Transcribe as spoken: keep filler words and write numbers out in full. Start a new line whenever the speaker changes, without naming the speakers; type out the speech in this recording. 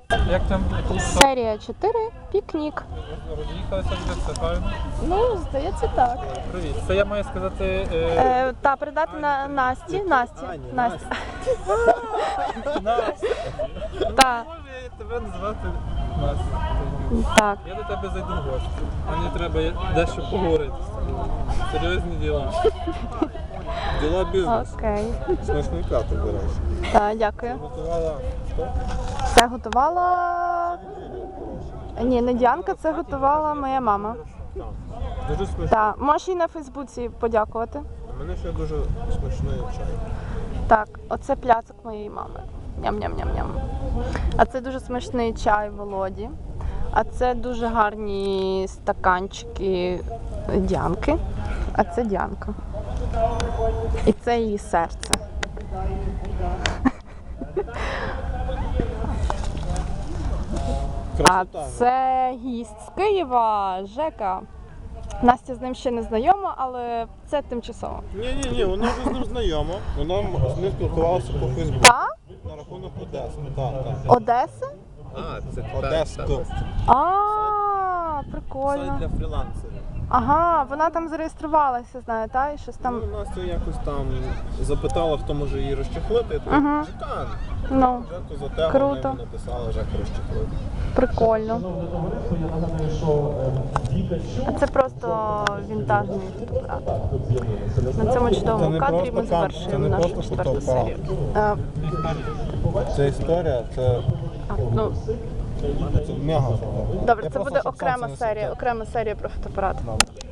Як там?
Серія чотири. Пікнік.
Роз'їхалися вже, все правильно?
Ну, здається, так.
Привіт. Це я маю сказати... Е...
Е, та, передати на Насті. Насті. Насті.
Настя.
Та.
Може я тебе називати Настя?
Так.
Я до тебе зайду в гості. Мені треба дещо поговорити з тобою. Серйозні діла.
Діла бізнесу.
Окей.
Смачний каток, до речі.
Так, дякую.
Готувала хто?
Це готувала... Ні, не Діанка, це готувала моя мама.
Дуже смачний.
Так, можеш їй на Фейсбуці подякувати.
У мене ще дуже смачний чай.
Так, оце пляцок моєї мами. Ням-ням-ням-ням. А це дуже смачний чай Володі. А це дуже гарні стаканчики Діанки. А це Діанка. І це її серце. А
Красота.
це гість з Києва, Жека. Настя з ним ще не знайома, але це тимчасово.
Ні-ні-ні, вона вже з ним знайома. Вона з ним спілкувалася по Фейсбуку.
Так?
На рахунок Одеси. Так, так.
Одеси?
А, це
Одеська.
А,
Сайт
прикольно.
для фрілансерів.
Ага, вона там зареєструвалася, знаю, та? І щось там.
Ну, Настя якось там запитала, хто може її розчехлити. Я
Ага.
кажу, Жекан.
Ну,
Жеку затягла,
Круто.
вона написала, Жеку розчехлити.
прикольно. А це просто вінтажний фотоапарат. На цьому
Це
чудовому
не
кадрі
просто
ми
кам- це
завершуємо
не
нашу
просто
четверту
фотоапарат.
серію. Е,
Це історія, це,
а, ну,
це мега фото.
добре,
Я
це
просто,
буде
щоб
окрема
сонце не
серія,
світило.
окрема серія про фотоапарат.
Добре.